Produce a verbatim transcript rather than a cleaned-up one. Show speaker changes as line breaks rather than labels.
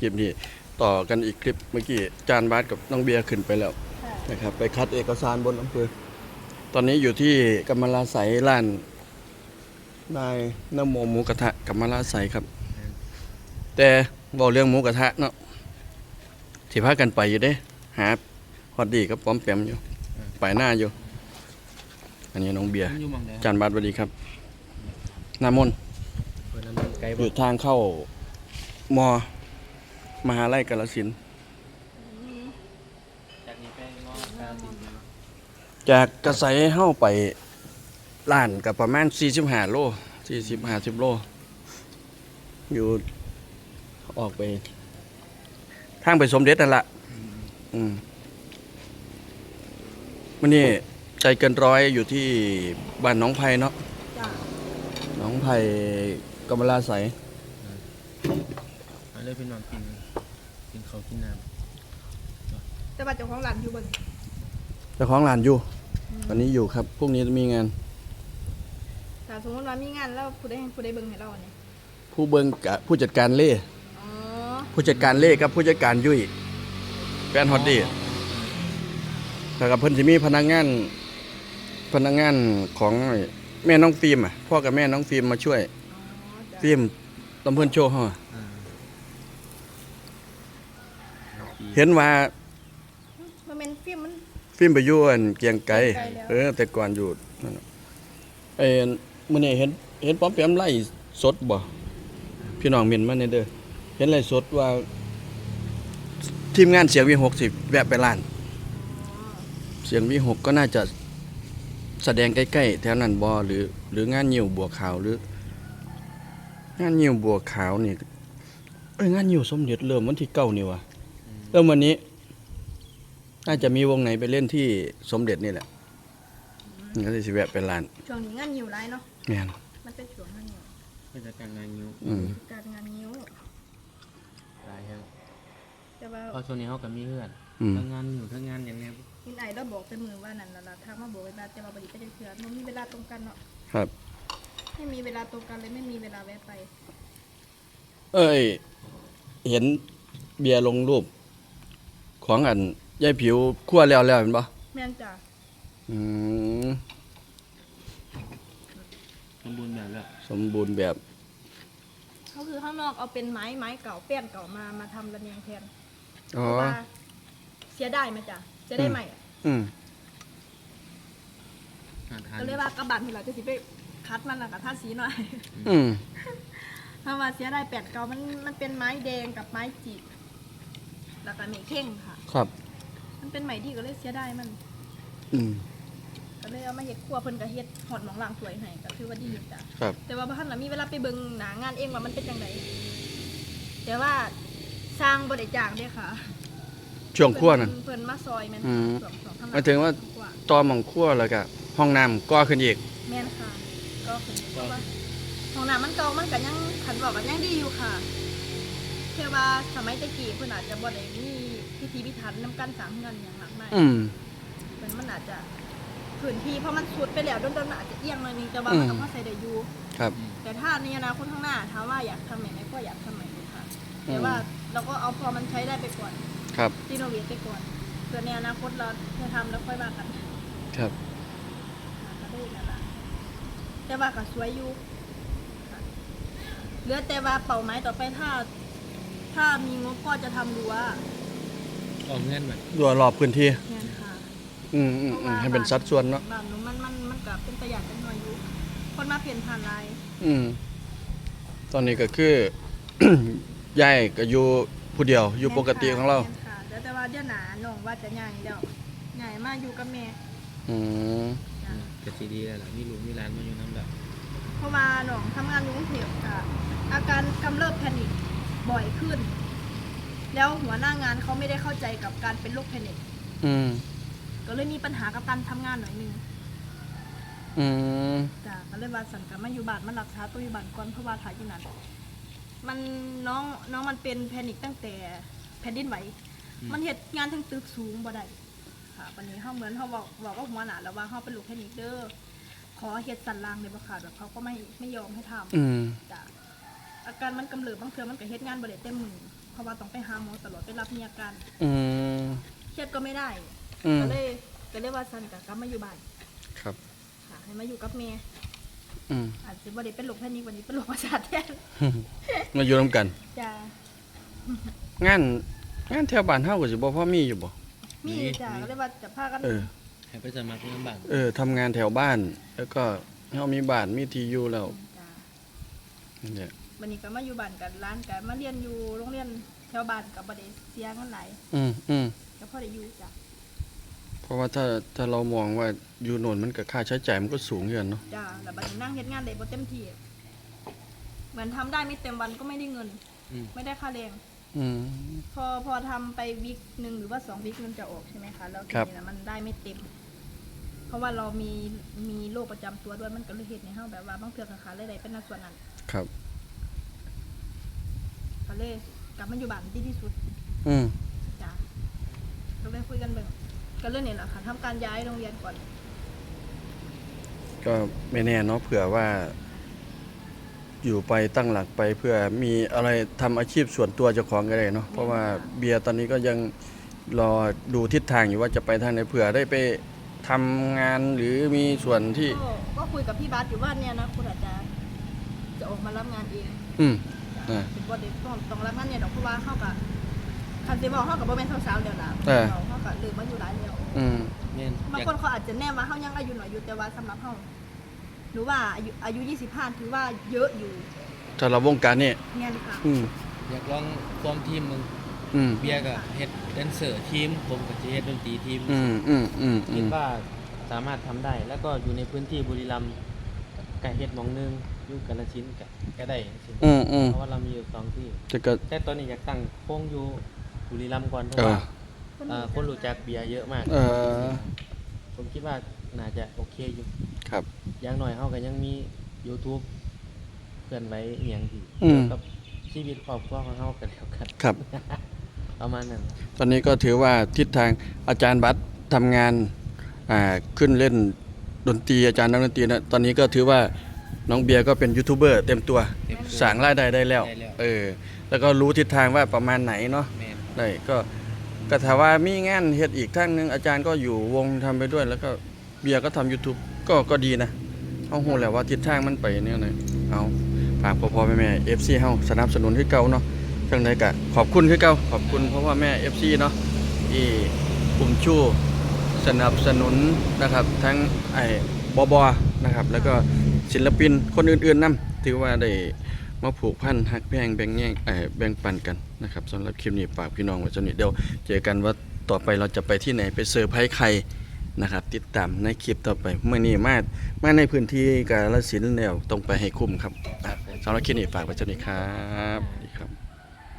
ลิปนี้ต่อกันอีกคลิปเมื่อกี้จานบาสกับน้องเบียร์ขึ้นไปแล้วนะครับไปคัดเอกสารบนอำเภอตอนนี้อยู่ที่กำมะลาไสร้านนายนโมหมูกระทะกำมะลาไสครับแต่บอกเรื่องหมูกระทะเนาะที่พากันไปอยู่เด้หาฮอดดีกับป้อมแปมอยู่ไปหน้าอยู่อันนี้น้องเบียร์จานบาสสวัสดีครับนามนอยู่ทางเข้ามอมหาลัยกาฬสินธุ์จากกระไสเข้าไปล้านกับประมาณสี่สิบห้าโลสี่สิบห้าสิบโลอยู่ออกไปทางไปสมเด็จนั่นแหละอืมวันนี้ใจเกินร้อยอยู่ที่บ้านน้องไผ่เนาะน้องไผ่กำมะลาไส
มาเลยพี่น้องกินกินข้าวกินน้
ำแต่ว่าเจ้าของร้านอยู่บน
เจ้าของร้านอยู่ตอนนี้อยู่ครับพรุ่งนี้จะมีงาน
แต่สมมติว่ามีงานแล้วผู้ใดผู้ใดเบิ่งให้เราเนี่ย
ผู้เบิ่งกับผู้จัดการเล่ผู้จัดการเล่กับผู้จัดการยุ่ยแฟนฮอตดี้แล้วกับเพิ่นจะมีพนักงานพนักงานของแม่น้องฟิล์มอ่ะพ่อกับแม่น้องฟิล์มมาช่วยฟิล์มตำเพิ่นโชว์เฮาเห็นว่า
มันเป็นฟิล์มมัน
ฟิล์มไปอยู่อันเกียงไกรเออแต่ก่อนอยู่นั่นไอ้มื้อนี้เห็นเห็นป้อมแปมไล่สดบ่พี่น้องเม่นมาเนี่ยเด้อเห็นไล่สดว่าทีมงานเสียงวีหกสิบแวะไปร้านเสียงวีหกก็น่าจะแสดงใกล้ๆแถวนั้นบ่หรือหรืองานยิ้วบัวขาวหรืองานยิ้วบัวขาวนี่เอ้ยงานยิ้วสมเด็จเริ่มวันที่เก้านี่วะเริ่มวันนี้น่าจะมีวงไหนไปเล่นที่สมเด็จนี่แหละก็เลยสิแวะไปร้าน
ช่วงนี้งานยิ้วหลายเนาะ
แม่น
มันเป็นช่วงงานยิ้ว
เป็นการงานยิ้ว
การงานยิ้ว
หลายครับ
แต่ว่า
พอช่วงนี้เขาก็มีเพื่อนทั้งงานอยู่ทั้งงานอย่างเนี้ย
กินไอ้เราบอกแต่มือว่านั่นล่ะทางมาบอกเวลาจะมาบริการจะเถื่อนมันมีเวลาตรงกันเนาะ
ครับ
ไม่มีเวลาตรงกันเลยไม่มีเวลาแวะไป
เอ้ยเห็นเบียร์ลงรูปของอันยายผิวคั่วแล้วแล้วเห็นปะ
แม่นจ้ะ
อืม
สมบูรณ์แบบแล้ว
สมบูรณ์แบบ
เขาคือข้างนอกเอาเป็นไม้ไม้เก่าเปี้ยนเก่ามามาทำระเนียงแทน
อ๋อ
เสียได้ไหมจ้ะจะได้ใหม่
อืม
ก็เรียกว่ากระบะที่เราจะสิไปคัดมันแล้วกับท่าสีหน่อย
อืม
ถ้าว่าเสียได้แปดเก่ามันมันเป็นไม้แดงกับไม้จีบแล้วก็เมฆเข่งค่ะ
ครับ
มันเป็นไม้ดีก็เลยเสียได้มัน
อืม
ก็เลยเอามาเฮ็ดครัวเพิ่นก็เฮ็ดหอดหมองล่างสวยให้ก็ถือว่าดีจ้ะ
ครับ
แต่ว่าบ่ทันน่ะมีเวลาไปเบิ่งหน้างานเองว่ามันเป็นจังไดแต่ว่าสร้างบ่ได้จ้างเด้ค่ะ
ช่วงครัวนั่น
เพิ่นมาซอยแม่น
ช่วงๆหมายถึงว่าตอหม่องครัวแล้วก็ห้องน้ำก่อขึ้นอีก
แม่นค่ะก็ขึ้นเพราะว่าห้องน้ำมันเก่ามันก็ยังคันบอกก็ยังดีอยู่ค่ะแค่ว่าสมัยตะกี้เพิ่นอาจจะบ่ได้มีพิธีพิถันนำกันสร้างเฮือนหยังมากมาย
อืม
เพิ่นมันอาจจะพื้นที่เพราะมันสุดไปแล้วโดนๆมันอาจจะเอียงหน่อยนึงแต่ว่ามันก็พอใช้ได้อยู่
ครับ
แต่ถ้าในอนาคตข้างหน้าถามว่าอยากทำใหม่ไหมก็อยากทำใหม่เลยค่ะแต่ว่าเราก็เอาพอมันใช้ได้ไปก่อน
ครับ
รีโนเวทไปก่อนเพื่อในอนาคตเราจะทำแล้วค่อยว่ากัน
ครับ
ก็ได้นั่นแหละแต่ว่าก็สวยอยู่เหลือแต่ว่าเป้าหมายต่อไปถ้าถ้ามีงบก็จะทำรั้ว
ออกเงินแบบ
รั้วรอบพื้นที่
เนี่ยค่ะ
อืมอืมให้เป็นสัดส่วนเนาะ
บ้านหนูมันมันมันก็เป็นประหยัดเป็นหน่วยอยู่คนมาเปลี่ยนผ่านลาย
อืมตอนนี้ก็คือยายก็อยู่ผู้เดียวอยู่ปกติของเรา
ค่ะแต่ว่าเดี๋ยวหนาน้องว่าจะใหญ่เดี๋ยวใหญ่มาอยู่กับแม่
อืม
ก็สิดีแล้วล่ะมีลูกมีหลานมาอยู่นำแล้ว
เพราะว่าน้องทำงานอยู่กรุงเทพค่ะอาการกำเริบแพนิคบ่อยขึ้นแล้วหัวหน้างานเขาไม่ได้เข้าใจกับการเป็นโรคแพนิค
อืม
ก็เลยมีปัญหากับการทำงานหน่อยนึง
อืม
จ้ะก็เลยว่าสันกับมาอยู่บ้านมันรักษาตัวอยู่บ้านก่อนเพราะว่าถ่ายอยู่นั่นมันน้องน้องมันเป็นแพนิคตั้งแต่แผ่นดินไหวมันเหตุงานทั้งตึกสูงบ่ได้ค่ะวันนี้เขาเหมือนเขาบอกบอกว่าหัวหน้าแล้วว่าเขาเป็นลูกแพนิคเด้อขอเหตุสันล่างในบ่ขาดแบบเขาก็ไม่ไม่ยอมให้ทำจ้ะอาการมันกำเริบบางเทื่อมันก็เหตุงานบ่ได้เต็มมือเพราะว่าต้องไปหาหมอตลอดไปรับมีอาการ
อืม
เครียดก็ไม่ได้
อืม
ก็เลยก็เลยว่าซันกับกลับมาอยู่บ้าน
ครับ
ค่ะให้มาอยู่กับแม่
อืม
อาจจะบ่ได้เป็นโรคแพนิควันนี้เป็นโรคประสาทแทน
มาอยู่ร่วมกัน
จ้าง
านงานแถวบ้านเฮาก็สิบ่พอมีอยู่บ่
มีจ้าก็เลยว่าจะพากัน
เออ
ให้ไปสมัครงานบ้าง
เออทำงานแถวบ้าน แล้วก็เฮามีบ้านมีที่อยู่แล้ว
จ้า
นั่นแหละ
วันนี้ก็มาอยู่บ้านกันร้านกันมาเรียนอยู่โรงเรียนแถวบ้านกับบ่ได้เสียเงินหลาย
อืมอืม
ก็พอได้อยู่จ้ะ
เพราะว่าถ้าถ้าเรามองว่าอยู่โน่นมันก็ค่าใช้จ่ายมันก็สูงอยู่อะเนาะ
จ้าแล้วบัดนี้นั่งเฮ็ดงานได้บ่เต็มที่เหมือนทำได้ไม่เต็มวันก็ไม่ได้เงิน
อืม
ไม่ได้ค่าแรง
อืม
พอพอทำไปวิกหนึ่งหรือว่าสองวิกมันจะออกใช่ไหมคะแล้วที
ครับ
นี้นะมันได้ไม่เต็ม เพราะว่าเรามีมีโรคประจำตัวด้วยมันก็เลยเฮ็ดในเฮาแบบว่าบางเทื่อขาขาเลยได้เป็นในส่วนนั้น
ครับ
ก็เลยกลับมาอยู่บ้านดีที่สุด
อืม
จ้ะก็เลยคุยกันเบิ่งก็เรื่องนี้แหละค่ะทำการย้ายโรงเรียนก่อน
ก็ไม่แน่เนาะเผื่อว่า อยู่ไปตั้งหลักไปเพื่อมีอะไรทำอาชีพส่วนตัวเจ้าของก็ได้เนาะเพราะว่าเบียร์ตอนนี้ก็ยังรอดูทิศทางอยู่ว่าจะไปทางไหนเผื่อได้ไปทำงานหรือมีส่วนที่
ก็ก็คุยกับพี่บาสอยู่ว่าเนี่ยนะคุณอาจจะจะออกมารับงานเอง
อืม
จ้ะ
อ่า
เป็นบ่ได้ต้องต้องรับงานเนี่ยดอกเพราะว่าเฮากับคันสิบอกเฮากับบ่แม่นสาวๆแล้วล่ะ
เออ
เฮาเฮาก็ลืมมาอยู่หลายแล้ว
อืม
แม่น
บาง
อยาก
คนเขาอาจจะแน่ว่าเขายังอายุน้อยอยู่แต่ว่าสำหรับเขาหรือว่าอายุอายุยี่สิบห้าถือว่าเยอะอยู่
ถ้าเราวงการนี่
เงี้ยค่ะ
อืม
อยากลองฟอร์มทีมมึง
อืม
เบียร์ก็เฮ็ดแดนเซอร์ทีมผมก็จะเฮ็ดดนตรีทีม
อืมอืมอืมอื
คิด
ม
ว่าสามารถทำได้ แล้วก็อยู่ในพื้นที่บุรีรัมย์ก็เฮ็ดหมองหนึงอยู่กาฬสินธุ์ก็ก็ได้จังซี่
อืมอืม
เพราะว่าเรามีอยู่สองที่
แต่ก็
แต่ตอนนี้อยากตั้งโค้งอยู่บุรีรัมย์ก่อนเพราะ
เออ
ว่าเอ่อคนรู้จักเบียร์เยอะมาก
เออ
ผมคิดว่าน่าจะโอเคอยู่
ครับ
อย่างน้อยเฮาก็ยังมี YouTube เคลื่อนไหวอีหยังที่
อืม
เกี่ยวกับชีวิตครอบครัวของเฮากันแล้วกัน
ครับ
ประมาณนั้น
ตอนนี้ก็ถือว่าทิศทางอาจารย์บัตรทำงานอ่าขึ้นเล่นดนตรีอาจารย์นักดนตรีนะตอนนี้ก็ถือว่าน้องเบียร์ก็เป็นยูทูบเบอร์เต็มตัว
เต็มตัว
สร้างรายได้ได้แล้ว
ได้แล้ว
เออ แล้วก็รู้ทิศทางว่าประมาณไหนเนาะ
แม่น
ได้ก็ก็ถ้าว่ามีงานเฮ็ดอีกทางหนึงอาจารย์ก็อยู่วงทำไปด้วย แล้วก็เบียร์ก็ทำ YouTube ก็ก็ดีนะเฮาฮู้แล้วว่าทิศทางมันไปเนี่ยนะเอาฝากพ่อๆแม่ๆ เอฟ ซี เฮาสนับสนุนคือเก่าเนาะจังไดก็ขอบคุณคือเก่าขอบคุณเพราะว่าแม่ เอฟ ซี เนาะที่ปุ่มชูสนับสนุนนะครับทั้งไอ้บอบอนะครับ แล้วก็ศิลปินคนอื่นๆนํถือว่าได้มาผูกพันฮักแพงแบ่งแย่งเอ่อแบ่งปันกันนะครับสำหรับคลิปนี้ฝากพี่น้องไว้เท่านี้เดี๋ยวเจอกันว่าต่อไปเราจะไปที่ไหนไปเซอร์ไพรส์ใครนะครับ ติดตามในคลิปต่อไปเมื่อนี้มามาในพื้นที่กาฬสินธุ์แล้วต้องไปให้คุ้มครับอ่ะสำหรับคลิปนี้ฝากไว้เท่านี้ครับ